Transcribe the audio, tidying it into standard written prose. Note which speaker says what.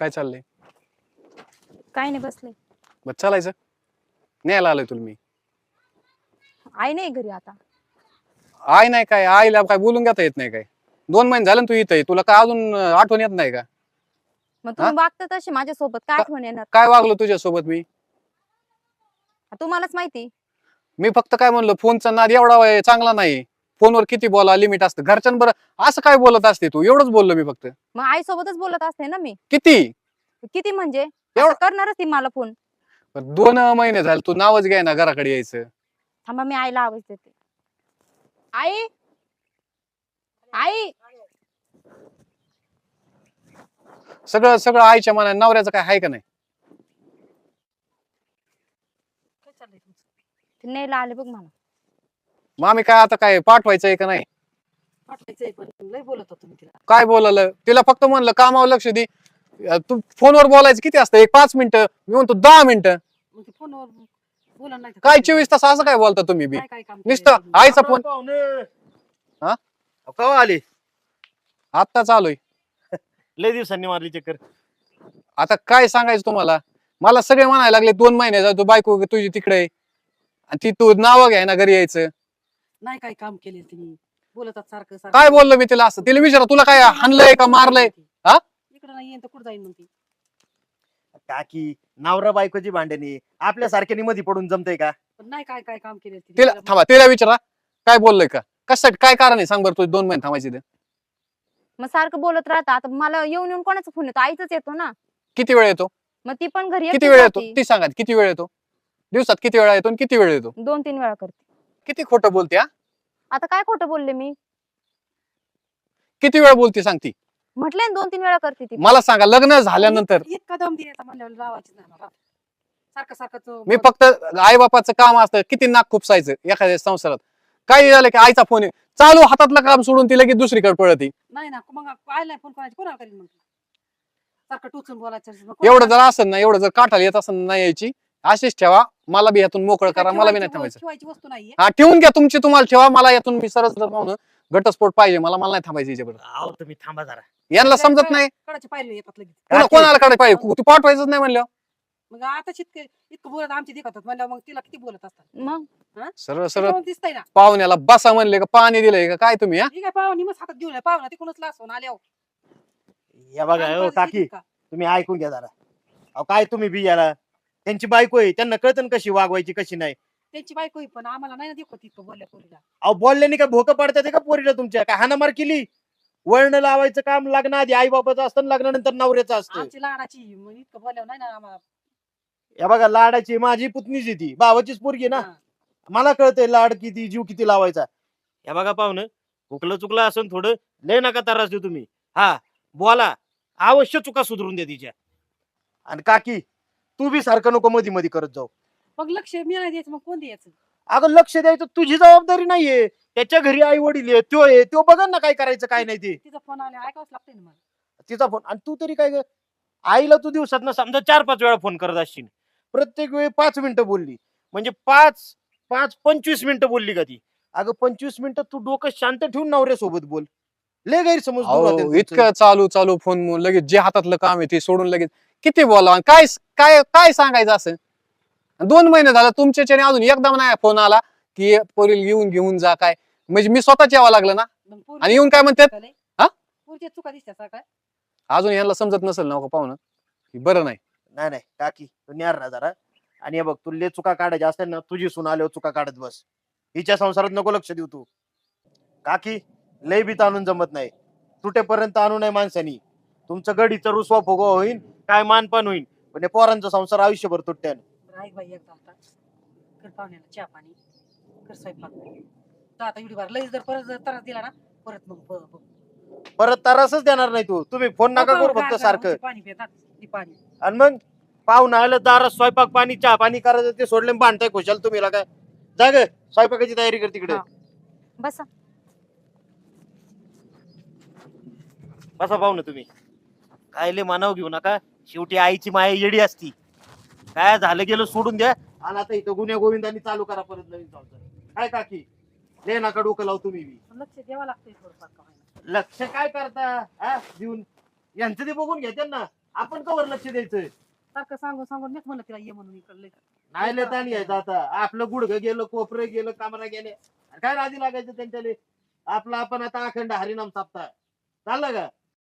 Speaker 1: काय चाललंय?
Speaker 2: काय नाही बसले.
Speaker 1: बस चालायचं. न्यायला आलोय तुला मी.
Speaker 2: आई नाही घरी आता.
Speaker 1: आय नाही काय, आईला काय बोलून घेता येत नाही काय? 2 महिने झाले ना तू इथं, तुला काय अजून आठवण येत नाही का?
Speaker 2: मग तुम्ही वागता तसे माझ्यासोबत, काय आठवण येणार?
Speaker 1: काय वागलो तुझ्यासोबत मी?
Speaker 2: तुम्हालाच माहिती.
Speaker 1: मी फक्त काय म्हणलो, फोनचा नाद एवढा चांगला नाही. फोनवर किती बोला लिमिट असतं. घरच्यांबर असं काय बोलत असते तू? एवढंच बोललो मी फक्त.
Speaker 2: मग आई सोबतच बोलत असते ना मी.
Speaker 1: किती?
Speaker 2: किती म्हणजे
Speaker 1: एवढं-
Speaker 2: आता करणारच ती मला फोन.
Speaker 1: 2 महिने झाले तू नावच घ्याय ना घराकडे यायचं.
Speaker 2: थांबा मी आईला आवाज देते. आई, आई.
Speaker 1: सगळं सगळं आईच्या मनाने, नवऱ्याचं काय आहे का नाही?
Speaker 2: ते न्यायला आले बघ मला.
Speaker 1: मग आम्ही काय आता काय पाठवायचंय का नाही?
Speaker 3: पाठवायचंय पण लय बोलत होतो मी तिला.
Speaker 1: काय बोलायला? तिला फक्त म्हणलं कामावर लक्ष दे. तू फोनवर बोलायचं किती असतं? 5 मिनिटं, मी म्हणतो 10 मिनिटं.
Speaker 3: मग ते फोनवर बोला नाही तर
Speaker 1: काय 24 तास असं काय बोलता तुम्ही बी?
Speaker 3: काय काय काम
Speaker 1: नुसतं
Speaker 3: केलंय
Speaker 1: आईचा फोन. हा?
Speaker 4: कवा आले?
Speaker 1: आता चालूय.
Speaker 4: लय दिवसांनी मारली चक्कर.
Speaker 1: आता काय सांगायचं तुम्हाला? मला सगळे म्हणायला लागले 2 महिने तू बायको तुझी तिकडे आहे. आणि ती तू नावं घ्याय ना घरी यायचं.
Speaker 3: नाही काय काम केले तिने बोलतात सारखं सारखं.
Speaker 1: काय बोललो मी तिला असं? तिला विचारा, तुला काय हाणलंय का मारलंय? हा?
Speaker 3: इकडे नाही येईन तर कुठं जाईन मग ती?
Speaker 4: काकी नवरा बायकोची भांडणी आपल्या सारख्यानी मध्ये पडून जमतय का?
Speaker 3: पण नाही काय काय काम केले
Speaker 1: तिला थांबा, तिला विचारा काय बोललोय का? कशासाठी, काय कारण आहे सांग बरं तुझे 2 महिने थांबायचे ते?
Speaker 2: मग सारखं बोलत राहता. आता मला येऊन येऊन कोणाचा फोन येतो? आईचाच येतो ना.
Speaker 1: किती वेळ येतो?
Speaker 2: मग ती पण घरी
Speaker 1: किती
Speaker 2: एकटीच
Speaker 1: वेळ येतो
Speaker 2: राहती.
Speaker 1: ती सांगा. किती वेळ येतो दिवसात? किती वेळा येतो आणि किती वेळ येतो?
Speaker 2: 2-3 वेळा करते.
Speaker 1: किती खोटं बोलते हा?
Speaker 2: आता काय खोटं बोलले मी?
Speaker 1: किती वेळ बोलते सांगती?
Speaker 2: म्हटलंय 2-3 वेळा करते ती.
Speaker 1: मला सांगा, लग्न झाल्यानंतर
Speaker 3: इतका दम द्यायचा म्हणल्यावर लावायची नाही मला. सारखं सारखं
Speaker 1: मी फक्त आई बापाचं काम असतं, किती नाक खुपसायचं एखाद्या संसारात. काही झालं की आईचा फोन आहे, चालू हातातलं काम सोडून ती लगेच दुसरीकडे पळती.
Speaker 3: नाही ना. मग आयला फोन करायची कोणाला करीन मग? सारखं टोचून बोलायचं. मग कोणाला
Speaker 1: एवढं जर असेल ना, एवढं जर काठाला येत असेल नाही यायची, अशीच ठेवा. मला बी यातून मोकळं
Speaker 3: काय
Speaker 1: करा, मला बी नाही
Speaker 3: ठेवायची
Speaker 1: थांबायचं.
Speaker 3: ठेवायची वस्तू नाहीये.
Speaker 1: हा, ठेवून घ्या तुमची, तुम्हाला ठेवा. मला यातून मी सरस म्हणून घटस्फोट पाहिजे मला, मला नाही थांबायचं याच्याबरोबर.
Speaker 4: आहो तुम्ही थांबा जरा.
Speaker 1: यांना समजत नाही.
Speaker 3: कडाची पायरी येतात लगेच.
Speaker 1: कोणाला कडे पाहिजे? तू पाठवायचंच नाही म्हणलं.
Speaker 3: मग आता इतकं बोलत आमची दिखतात म्हणल्यावर मग तिला किती बोलत असतात?
Speaker 2: मग
Speaker 1: सरळ सरळ
Speaker 3: त्याच्यावरून दिसतंय ना.
Speaker 1: पाहुण्याला बसा म्हणले का पाणी दिलंय का काय तुम्ही? हा,
Speaker 3: ही काय पाहुणी मग हातात घेऊन पाहुणा तिकडूनच लासून आल्यावर
Speaker 4: या बघा
Speaker 3: आणि
Speaker 4: हो
Speaker 3: परत
Speaker 4: काकी,
Speaker 3: येतील का?
Speaker 4: तुम्ही ऐकून घ्या जरा. अहो काय तुम्ही बी याला, त्यांची बायको आहे, त्यांना कळतं ना कशी वागवायची कशी नाही.
Speaker 3: त्यांची बायको आहे, पण आम्हाला नाही ना देखत इतकं बोलल्या पोरीला.
Speaker 4: अहो बोलल्याने काय भोकं पडतात का पोरीला तुमच्या? काय हाणामार केली? वळण लावायचं काम लग्न आधी आई बाबाचं असतं, लग्नानंतर नवऱ्याचं असतं.
Speaker 3: आमची लाडाची मग इतकं बोलल्यावर नाही ना आम्हाला.
Speaker 4: या बघा लाडाची माझी पुतणीच आहे ती, भावाचीच पोरगी आहे ना.
Speaker 3: हा.
Speaker 4: मला कळतंय लाड किती, जीव किती लावायचा. या बघा पाहुणं, हुकलं चुकलं असं थोडं लय नका त्रास देऊ तुम्ही. हा बोला, अवश्य चुका सुधरून द्या तिच्या. आणि काकी तू बी सारखं नको मध्ये मध्ये करत जाऊ.
Speaker 3: मग लक्ष मी नाही द्यायचं, मग कोण द्यायचं?
Speaker 4: अगं लक्ष द्यायचं तुझी जबाबदारी नाहीये. त्याच्या घरी आई वडील आहे, तो बघा ना काय करायचं काय नाही ते.
Speaker 3: तिचा फोन आला ऐकावंच लागतंय ना मला.
Speaker 4: तिचा फोन. आणि तू तरी काय ग, आईला तू दिवसात ना समजा 4-5 वेळा फोन करत असशील. प्रत्येक वेळी 5 मिनिटं बोलली म्हणजे 5-25 मिनिटं बोलली का ती? अगं 25 मिनिटं तू डोकं शांत ठेवून नवऱ्यासोबत बोल. लय गैरसमज दूर होतील
Speaker 1: अहो,
Speaker 4: तुमचं.
Speaker 1: इतकं चालू चालू फोन लगेच जे हातातलं काम आहे ते सोडून लगेच किती बोलावं? काय काय काय सांगायचं असं? 2 महिने झालं तुमच्याच्याने अजून एकदा नाही फोन आला की पोरील घेऊन जा काय. म्हणजे मी स्वतःच यावं लागलं ना.
Speaker 3: मग पोरी
Speaker 1: आणि येऊन काय म्हणतात? हा?
Speaker 3: पोरीच्या चुका दिसतात काय?
Speaker 1: अजून यांना समजत नसेल ना पाहुणं की बरं नाही.
Speaker 4: नाही नाही काकी तू न्यार ना जरा. आणि हे बघ तू लय चुका काढायच्या असतील ना, तुझी सून आल्यावर चुका काढत बस. हिच्या संसारात नको लक्ष देऊ तू. काकी लय बी ताणून जमत नाही, तुटेपर्यंत आणू नये माणसानी. तुमचं गडीचं रुसवा फुगवा होईल, काय मानपान होईल, पण हे पोरांचा संसार आयुष्यभर तुटत्यान.
Speaker 3: ऐक बाई एकदा आता कर पाहुण्याला चहा पाणी कर स्वयंपाक. तर आता एवढी बार लई जर परत जर त्रास दिला ना परत मग
Speaker 4: परत त्रासच देणार नाही तू. तुम्ही फोन नका करू फक्त सारखं.
Speaker 3: पाणी पितात ती पाणी.
Speaker 4: आणि मग पाहुणा आलं दारात स्वयंपाक पाणी चहा पाणी करायचं ते सोडले भांडताय खुशाल तुम्ही काय. जाग स्वयंपाकाची तयारी कर तिकडे.
Speaker 2: हा. बसा.
Speaker 4: बसा पाहुणं तुम्ही. काय लय मानाव घेऊ नका, शेवटी आईची माया येडी असती. काय झालं गेलं सोडून द्या. आणि आता इथं गुन्हे गोविंदांनी चालू करा परत नवीन संसार. काय काकी लय नका डोकं लावू तुम्ही बी.
Speaker 3: लक्ष द्यावं लागतंय थोडंफार का होईना.
Speaker 4: लक्ष काय करता हा देऊन? यांचं ते बघून घेते ना. आपण कवर लक्ष द्यायचं.
Speaker 3: सारखं सांगून सांगून मीच म्हणलं तिला ये म्हणून इकडलं.
Speaker 4: नाही लय ताण घ्यायचं आता. आपलं गुडघं गेलं, कोपरं गेलं, कामरा गेले, काय राजी लागायचं त्यांच्याले. आपलं आपण आता अखंड हरिनाम साप्ताह चाललं का?